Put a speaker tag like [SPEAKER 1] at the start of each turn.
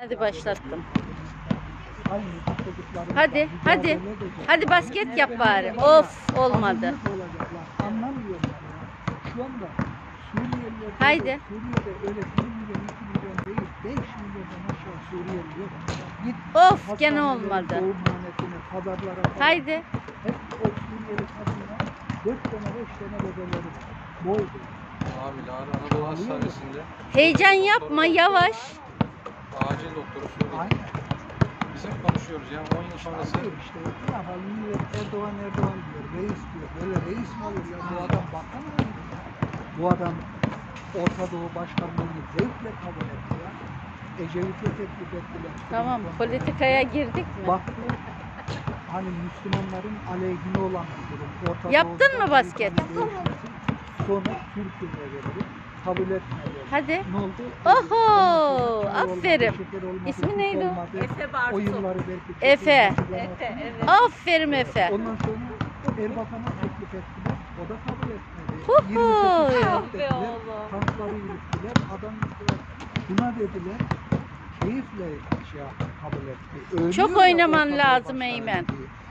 [SPEAKER 1] Hadi başlattım. Hadi, hadi. Hadi basket yap bari. Of, olmadı.
[SPEAKER 2] Anlamıyorum. Şu anda Suriyeliler,
[SPEAKER 1] Haydi.
[SPEAKER 2] Suriye'de öyle 1 milyon, 2 milyon değil, 5 milyondan aşağı Suriyeli yok. Git
[SPEAKER 1] Of, gene
[SPEAKER 2] hastanelere,
[SPEAKER 1] olmadı.
[SPEAKER 2] doğumhanetine, pazarlara falan.
[SPEAKER 1] Haydi.
[SPEAKER 2] Hep o Suriyeli kadınlar 4 tane 5 tane bebeleri var. Boydu.
[SPEAKER 3] Abi Anadolu Hastanesi'nde
[SPEAKER 1] Heyecan yapma, yavaş.
[SPEAKER 3] acil doktoru Suriyeli.
[SPEAKER 2] Aynen.
[SPEAKER 3] Bizim konuşuyoruz yani 10 yıl sonrası.
[SPEAKER 2] Hayır işte. Ne yapalım? Millet Erdoğan diyor. Reis diyor. Böyle reis mi olur ya? Bu adam bakan mı ya? Bu adam Orta Doğu Başkanlığı'nı zevkle kabul etti ya. Ecevit'e teklif ettiler.
[SPEAKER 1] Tamam, politikaya girdik mi?
[SPEAKER 2] Baktı. Hani Müslümanların aleyhine olan bir durum. Orta
[SPEAKER 1] Yaptın
[SPEAKER 2] Doğu'da
[SPEAKER 1] mı basket?
[SPEAKER 2] Amerika'nın değişmesi, sonra Türkiye'ye verildi. Kabul etmedi.
[SPEAKER 1] Hadi.
[SPEAKER 2] Ne oldu?
[SPEAKER 1] Oho,
[SPEAKER 2] Çay olmadı,
[SPEAKER 1] aferin.
[SPEAKER 2] şeker olmadı,
[SPEAKER 1] İsmi
[SPEAKER 2] süt
[SPEAKER 1] neydi o?
[SPEAKER 2] olmadı.
[SPEAKER 4] Efe Bartu.
[SPEAKER 2] O yılları belki çok
[SPEAKER 1] Efe.
[SPEAKER 2] hatırlamazsın.
[SPEAKER 1] Aferin Efe.
[SPEAKER 2] Ondan sonra Erbakan'a teklif ettiler. O da kabul etmedi.
[SPEAKER 1] Huhu.
[SPEAKER 2] 28
[SPEAKER 4] Ah
[SPEAKER 2] saat
[SPEAKER 4] be
[SPEAKER 2] dediler.
[SPEAKER 4] oğlum.
[SPEAKER 2] Tankları yürüttüler. Adam dediler. Buna dediler. Keyifle şey yaptı, kabul etti. Ölüyor
[SPEAKER 1] Çok
[SPEAKER 2] ya
[SPEAKER 1] oynaman
[SPEAKER 2] Orta Doğu
[SPEAKER 1] lazım
[SPEAKER 2] Başkanı
[SPEAKER 1] Eymen.
[SPEAKER 2] diye.